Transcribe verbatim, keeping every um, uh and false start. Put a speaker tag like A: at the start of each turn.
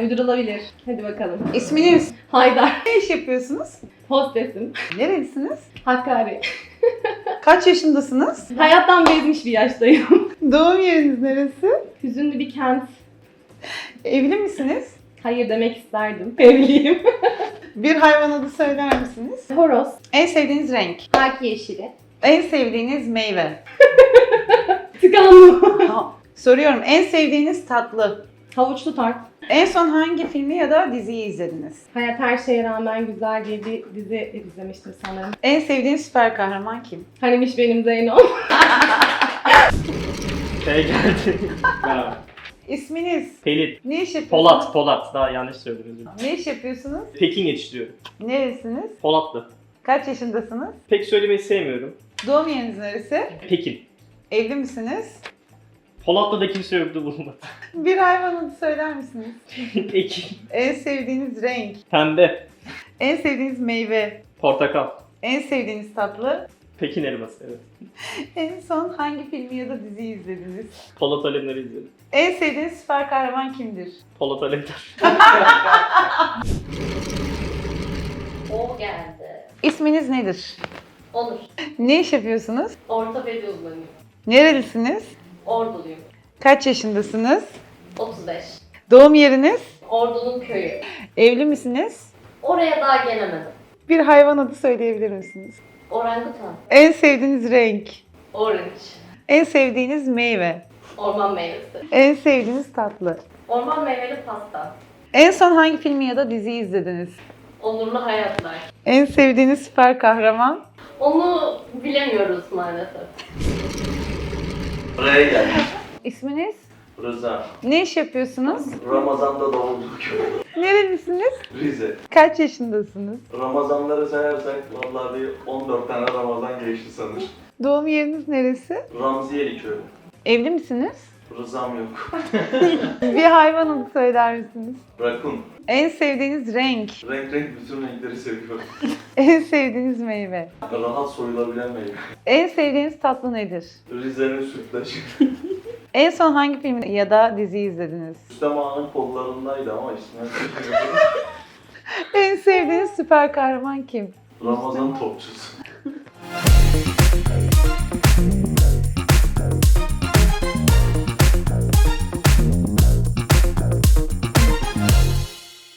A: Uydurulabilir. Hadi bakalım.
B: İsminiz?
A: Haydar.
B: Ne iş yapıyorsunuz?
A: Hostesim.
B: Nerelisiniz?
A: Hakkari.
B: Kaç yaşındasınız?
A: Hayattan bezmiş bir yaştayım.
B: Doğum yeriniz neresi?
A: Hüzünlü bir kent.
B: Evli misiniz?
A: Hayır demek isterdim. Evliyim.
B: Bir hayvan adı söyler misiniz?
A: Horoz.
B: En sevdiğiniz renk?
A: Haki yeşili.
B: En sevdiğiniz meyve?
A: Tıkanlı.
B: Ha, soruyorum. En sevdiğiniz tatlı?
A: Havuçlu tart.
B: En son hangi filmi ya da diziyi izlediniz?
A: Hayat her şeye rağmen güzel diye bir dizi izlemiştim sanırım.
B: En sevdiğiniz süper kahraman kim?
A: Hanimiş benim Zeyno.
C: Şey geldi. Merhaba.
B: İsminiz?
C: Pelin.
B: Ne iş yapıyorsunuz?
C: Polat, Polat. Daha yanlış söyledim.
B: Ne iş yapıyorsunuz?
C: Pekin yetiştiriyorum.
B: Neresiniz?
C: Polatlı.
B: Kaç yaşındasınız?
C: Pek söylemeyi sevmiyorum.
B: Doğum yeriniz neresi?
C: Pekin.
B: Evli misiniz?
C: Polatlı'da kimse yoktu bulunmadı.
B: Bir hayvan adı söyler misiniz?
C: Pekin.
B: En sevdiğiniz renk?
C: Pembe.
B: En sevdiğiniz meyve?
C: Portakal.
B: En sevdiğiniz tatlı?
C: Pekin elması, evet.
B: En son hangi filmi ya da diziyi izlediniz?
C: Polat Alemdar'ı izledim.
B: En sevdiğiniz süper kahraman kimdir?
C: Polat Alemdar.
D: O geldi.
B: İsminiz nedir?
D: Onur.
B: Ne iş yapıyorsunuz?
D: Ortopedi uzmanıyım.
B: Nerelisiniz?
D: Orduluyum.
B: Kaç yaşındasınız?
D: otuz beş.
B: Doğum yeriniz?
D: Ordu'nun köyü.
B: Evli misiniz?
D: Oraya daha gelemedim.
B: Bir hayvan adı söyleyebilir misiniz?
D: Orangutan.
B: En sevdiğiniz renk?
D: Orange.
B: En sevdiğiniz meyve?
D: Orman meyvesi.
B: En sevdiğiniz tatlı?
D: Orman meyveli pasta.
B: En son hangi filmi ya da diziyi izlediniz?
D: Onurlu hayatlar.
B: En sevdiğiniz süper kahraman?
D: Onu bilemiyoruz maalesef.
E: Buraya geldik.
B: İsminiz?
E: Rıza.
B: Ne iş yapıyorsunuz?
E: Ramazan'da doğduk.
B: Nerelisiniz?
E: Rize.
B: Kaç yaşındasınız?
E: Ramazanları sayarsak vallahi bir on dört tane Ramazan geçti sanır.
B: Doğum yeriniz neresi?
E: Ramziyeli köyü.
B: Evli misiniz?
E: Rızam yok.
B: Bir hayvan adı söyler misiniz?
E: Rakun.
B: En sevdiğiniz renk?
E: Renk renk bütün renkleri seviyorum.
B: En sevdiğiniz meyve?
E: Rahat soyulabilen meyve.
B: En sevdiğiniz tatlı nedir?
E: Rize'nin sütlaçı.
B: En son hangi filmi ya da diziyi izlediniz?
E: Rüstem Ağa'nın kollarındaydı ama ismini
B: En sevdiğiniz süper kahraman kim?
E: Ramazan topçusu.